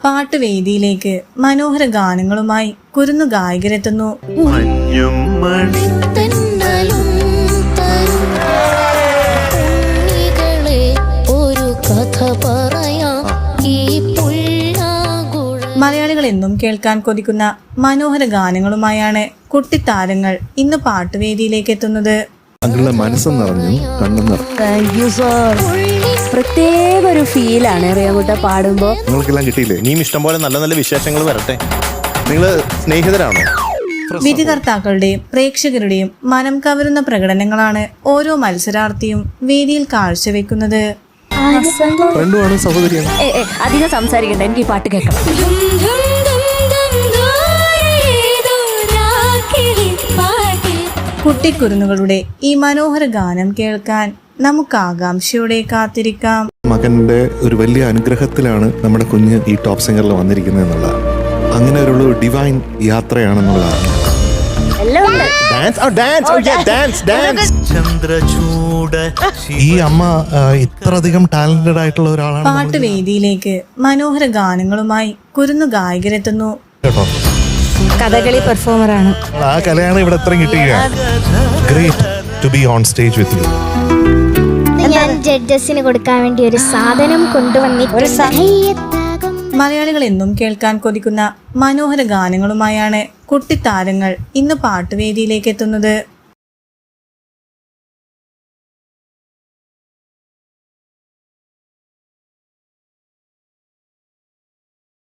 പാട്ടുവേദിയിലേക്ക് മനോഹര ഗാനങ്ങളുമായി കുരുന്നു ഗായകരെത്തുന്നു. മലയാളികൾ എന്നും കേൾക്കാൻ കൊതിക്കുന്ന മനോഹര ഗാനങ്ങളുമായാണ് കുട്ടിത്താരങ്ങൾ ഇന്ന് പാട്ടുവേദിയിലേക്ക് എത്തുന്നത്. പ്രത്യേക ഒരു ഫീലാണ് റിയാകുട്ട പാടുമ്പോ. നിങ്ങൾക്കെല്ലാം കിട്ടിയില്ലേ? ഇനിയും ഇഷ്ടംപോലെ നല്ല നല്ല വിശേഷങ്ങൾ വരട്ടെ. നിങ്ങൾ സ്നേഹിതരാണോ? വിധികർത്താക്കളുടെയും പ്രേക്ഷകരുടെയും മനം കവരുന്ന പ്രകടനങ്ങളാണ് ഓരോ മത്സരാർത്ഥിയും വേദിയിൽ കാഴ്ചവെക്കുന്നത്. അധികം സംസാരിക്കണ്ട, എനിക്ക് ഈ പാട്ട് കേൾക്കണം. കുട്ടിക്കുരുന്നുകളുടെ ഈ മനോഹര ഗാനം കേൾക്കാൻ നമുക്ക് ആകാംക്ഷയോടെ കാത്തിരിക്കാം. മകന്റെ ഒരു വലിയ അനുഗ്രഹത്തിലാണ് നമ്മുടെ കുഞ്ഞ് ഈ ടോപ്പ് സിംഗറിൽ വന്നിരിക്കുന്നത് എന്നുള്ളത്. അങ്ങനെ ഒരു ഡിവൈൻ യാത്രയാണെന്നുള്ളതാണ്. ഈ അമ്മ ഇത്രയധികം ടാലന്റഡ് ആയിട്ടുള്ള ഒരാളാണ്. പാട്ടുവേദിയിലേക്ക് മനോഹര ഗാനങ്ങളുമായി കുരുന്നു ഗായകരെത്തുന്നു. കേട്ടോ, കഥകളി പെർഫോമറാണ്. ആ കലയാണ് ഇവിടെ ഇത്രയും കിട്ടിയ. Great to be on stage with you. ഞാൻ ജഡ്ജസിന് കൊടുക്കാൻ വേണ്ടി ഒരു സാധനം കൊണ്ടുവന്നിട്ടുണ്ട്. മലയാളികൾ എന്നും കേൾക്കാൻ കൊതിക്കുന്ന മനോഹര ഗാനങ്ങളുമായാണ് കുട്ടിത്താരങ്ങൾ ഇന്ന് പാട്ടുവേദിയിലേക്ക് എത്തുന്നത്.